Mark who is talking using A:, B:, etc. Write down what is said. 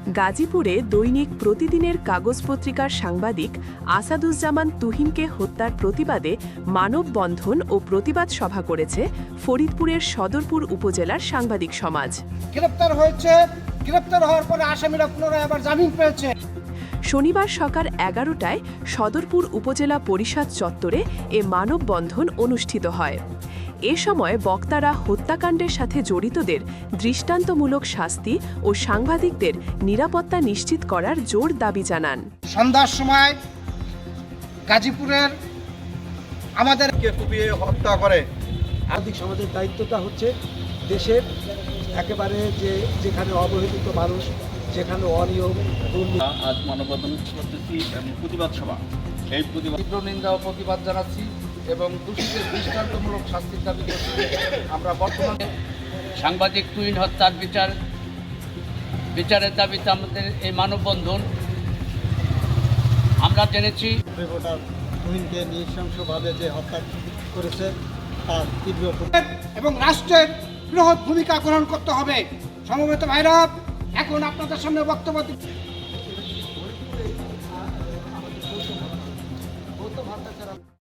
A: গাজীপুরে দৈনিক প্রতিদিনের কাগজ পত্রিকার সাংবাদিক আসাদুজ্জামান তুহিনকে হত্যার প্রতিবাদে মানববন্ধন ও প্রতিবাদ সভা করেছে ফরিদপুরের সদরপুর উপজেলার সাংবাদিক সমাজ।
B: গ্রেপ্তার হওয়ার পরে আসামিরা পুনরায় আবার জামিন পেয়েছে।
A: শনিবার সকাল 11টায় সদরপুর উপজেলা পরিষদ চত্বরে এ মানববন্ধন অনুষ্ঠিত হয়। এ সময় বক্তারা হত্যাকাণ্ডের সাথে জড়িতদের দৃষ্টান্তমূলক শাস্তি ও সাংবাদিকদের নিরাপত্তা নিশ্চিত করার জোর দাবি জানান।
B: সন্ধ্যার সময় গাজীপুরের আমাদেরকে
C: কুপিয়ে হত্যা করে।
D: আর্থিক সমাজের দায়িত্বটা হচ্ছে দেশের একেবারে যেখানে অবহেলিত মানুষ, যেখানে অনিয়ম
C: আজ মানববন্ধন করতেছি এবং প্রতিবাদ সভা। এই প্রতিবাদ
D: তীব্র নিন্দা ও প্রতিবাদ জানাচ্ছি এবং দোষীদের দৃষ্টান্তমূলক শাস্তির দাবি করছি। আমরা বর্তমানে
E: সাংবাদিক তুহিন হত্যার বিচারের দাবিতে আমাদের এই মানববন্ধন। আমরা জেনেছি
D: রিপোর্টার তুহিনকে নৃশংসভাবে যে হত্যা করেছে তার তীব্র
B: এবং রাষ্ট্রের বৃহৎ ভূমিকা গ্রহণ করতে হবে। সমবেত ভাইরা, এখন আপনাদের সামনে বক্তব্য